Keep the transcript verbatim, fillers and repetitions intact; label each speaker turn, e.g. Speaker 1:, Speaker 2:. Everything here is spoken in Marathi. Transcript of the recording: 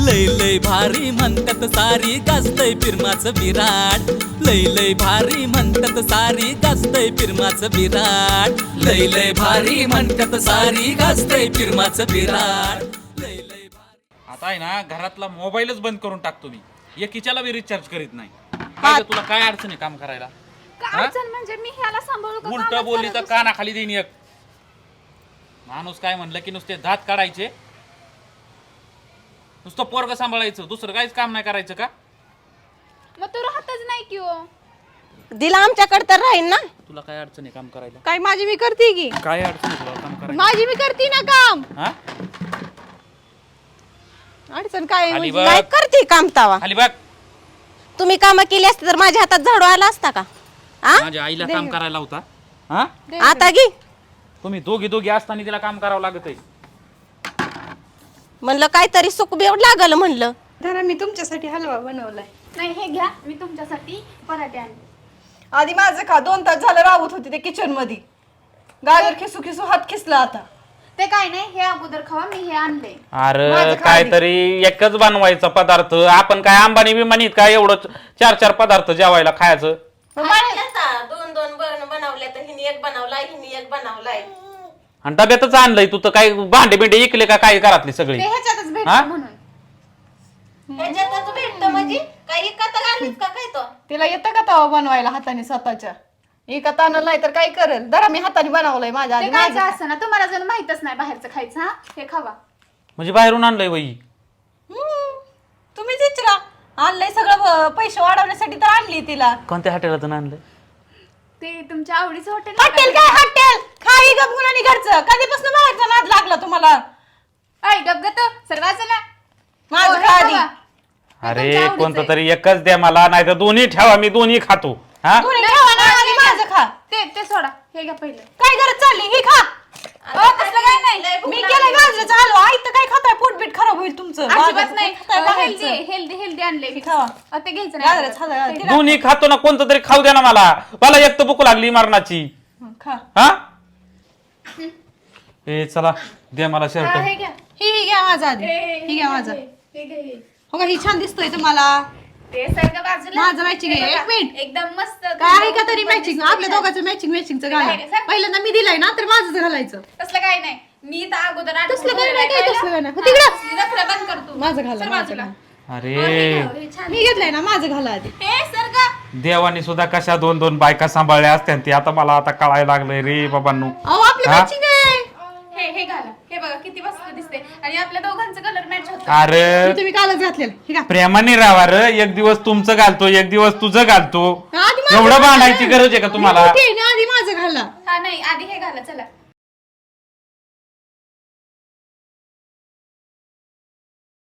Speaker 1: लय लय भारी म्हणतात सारी गाजतय फिरमाचं विराट लय लय भारी म्हणतात सारी गाजतय फिरमाचं विराट लय लय भारी म्हणतात सारी गाजतय फिरमाचं विराट लय लय भारी.
Speaker 2: आता आहे ना घरातला मोबाईलच बंद करून टाकतो मी एकीच्याला बी रिचार्ज करीत नाही. काय ग, तुला काय अडचण आहे काम करायला?
Speaker 3: काय अडचण म्हणजे मी ह्याला सांभाळू का?
Speaker 2: उलट
Speaker 3: कामच
Speaker 2: बोलली
Speaker 3: करत
Speaker 2: तर
Speaker 3: बसते.
Speaker 2: कानाखाली देईन एक. माणूस काय म्हणलं की नुसते दात काढायचे, नुसतं पोरग सांभाळायचं, दुसरं काहीच काम नाही करायचं का?
Speaker 3: मग तू राहतच नाही की हो.
Speaker 4: दिला आमच्याकडे तर राहील ना.
Speaker 2: तुला काय अडचण आहे काम करायला?
Speaker 4: काय माझी मी करते की
Speaker 2: काय अडचण आहे तुला काम करायला?
Speaker 4: माझी मी करते ना काम.
Speaker 2: हा?
Speaker 4: अडचण काय आहे
Speaker 2: खाली
Speaker 4: म्हणजे?
Speaker 2: बघ.
Speaker 4: काय करते काम तावा?
Speaker 2: खाली बघ.
Speaker 4: तुम्ही काम केली असते तर माझ्या हातात झाडू आला असता का? आ?
Speaker 2: माझ्या आईला काम करायला होता. हा?
Speaker 4: आता घे
Speaker 2: तुम्ही दोघी दोघी असताना तिला काम करावं लागत आहे.
Speaker 4: म्हणलं काहीतरी सुख बेव लागल म्हणलं.
Speaker 5: धरा मी तुमच्यासाठी हलवा बनवलाय.
Speaker 3: नाही हे घ्या, मी तुमच्यासाठी पराठे आणले.
Speaker 5: आधी माझं खा. दोन तास झालं राबत होती ते किचन मध्ये. गाजर खिसू खिसू हात खिसला आता.
Speaker 3: ते काय नाही, हे अगोदर खावा, मी हे आणले.
Speaker 2: अरे
Speaker 5: माझं खा
Speaker 2: काहीतरी एकच बनवायचा पदार्थ. आपण काय अंबानी बिमानीत काय एवढं चार चार पदार्थ जेवायला खायचं?
Speaker 4: दोन दोन बनवले तर हिने एक बनवलाय हिने एक बनवलाय.
Speaker 2: आणि डब्यातच आणलंय तू तर काय भांडे बिंडे इकले का काय घरातली सगळी?
Speaker 3: ते ह्याच्यातच
Speaker 2: हा?
Speaker 3: भेटतं म्हणून.
Speaker 4: ह्याच्यातच भेटतं म्हणजे काही कथा घालीत का काय तो?
Speaker 5: तिला येतं का तवा बनवायला हाताने स्वतःच्या? एका तानं नाही तर काय करेल. धरा मी हाताने बनवलंय माझ्या
Speaker 3: ते
Speaker 5: आधी.
Speaker 3: काय
Speaker 5: माझं
Speaker 3: असं ना, तुम्हाला जर माहितच नाही बाहेरचं खायचं. हा, हे खावा.
Speaker 2: म्हणजे बाहेरून आणलंय वही?
Speaker 5: हम्म. तुम्हीच विचारा. आणलंय सगळं ब- पैसे वाढवण्यासाठी तर आणली तिला.
Speaker 2: कोणत्या हॉटेलातून आणलंय?
Speaker 3: ते तुमच्या आवडीचं हॉटेल
Speaker 5: हॉटेल काय हॉटेल? खाई गपगुण आणि घरचं. कधीपासून बाहेरचा नाद लागला तुम्हाला?
Speaker 3: ऐ डबग तो सर्वांचं ना.
Speaker 5: माझं
Speaker 3: हो, हे
Speaker 5: खा आधी.
Speaker 3: खावा. हे
Speaker 2: अरे
Speaker 3: तुमच्या आवडीचं
Speaker 2: कोणतं
Speaker 3: आहे.
Speaker 2: तरी एकच द्या मला, नाही तर दोन्ही ठेवा, मी दोन्ही खातो. हा?
Speaker 5: दोन्ही खावा ना आणि माझं खा.
Speaker 3: ते ते सोडा, हे घ्या पहिलं.
Speaker 5: काय गरज चालली? ही खा.
Speaker 3: अहो, तसलं काय नाही.
Speaker 5: मी केलं गाजराचं हलवा. आई तर काय खाताय? पोटबीट खराब होईल तुमचं.
Speaker 3: अजिबात
Speaker 5: बाजारात
Speaker 3: नाही.
Speaker 5: खाताय बाहेरचं.
Speaker 3: हेल्दी हेल्दी हेल्दी आणले मी.
Speaker 5: खावा.
Speaker 3: अ, ते घ्यायचं
Speaker 5: गाजराचं हलवा.
Speaker 3: नाही.
Speaker 5: तिला-
Speaker 2: दोन्ही खातो ना, कोणतं तरी खाऊ द्या ना मला. मला एक तर भूक लागली मरणाची.
Speaker 5: हं, खा.
Speaker 2: हा? ए चला द्या मला
Speaker 3: हा,
Speaker 2: शर्ट.
Speaker 3: हे घ्या.
Speaker 5: ही ही घ्या माझा आधी.
Speaker 3: हे, हे,
Speaker 5: ही घ्या माझा.
Speaker 3: हे, हे घ्या, हे.
Speaker 5: हो का? ही छान दिसतोय तुम्हाला.
Speaker 3: ते सारखं बाजूला.
Speaker 5: माझं matching आहे.
Speaker 3: हे बघा,
Speaker 5: एक मिनिट.
Speaker 3: एकदम मस्त.
Speaker 5: काय आहे का तरी मॅचिंग? आपल्या दोघांचं मॅचिंग मॅचिंगचं घाला.
Speaker 3: काय रे, सांग.
Speaker 5: पहिल्यांदा मी दिलाय ना तर माझंच घालायचं.
Speaker 3: तसलं काय नाही. मी तर अगोदर आठ
Speaker 5: तसलं काय नाही, काय तसलं काय नाही. हो,
Speaker 3: हा,
Speaker 5: तिकडं.
Speaker 3: तसली नखरं बंद करतो.
Speaker 5: माझं घाला,
Speaker 3: सर
Speaker 5: माझं
Speaker 3: बाजूला.
Speaker 5: घाला.
Speaker 2: अरे
Speaker 3: हो, हे घ्या, हे छान.
Speaker 5: मी घेतलंय ना, माझं घाला आधी.
Speaker 3: हे सर का?
Speaker 2: देवाने सुद्धा कशा दोन दोन बायका सांभाळल्या असत्या ती आता मला आता कळायला लागलंय रे बाबांनो.
Speaker 5: अहो आपलं
Speaker 2: हा?
Speaker 5: मॅचिंग आहे.
Speaker 3: हे हे घाला. हे बघा किती मस्त दिसते आणि आपल्या दोघांचं कलर मॅच होतं.
Speaker 2: अरे
Speaker 5: हे तुम्ही कालच घातलेलं. हे घा.
Speaker 2: प्रेमाने राहा रे. एक दिवस तुमचं घालतो, एक दिवस तुझं घालतो.
Speaker 5: आधी माझं
Speaker 2: एवढं
Speaker 5: घाला.
Speaker 2: भांडायची गरज आहे का तुम्हाला?
Speaker 5: मी मोठी आहे ना, आधी माझं घाला.
Speaker 3: हा नाही, आधी हे घाला चला.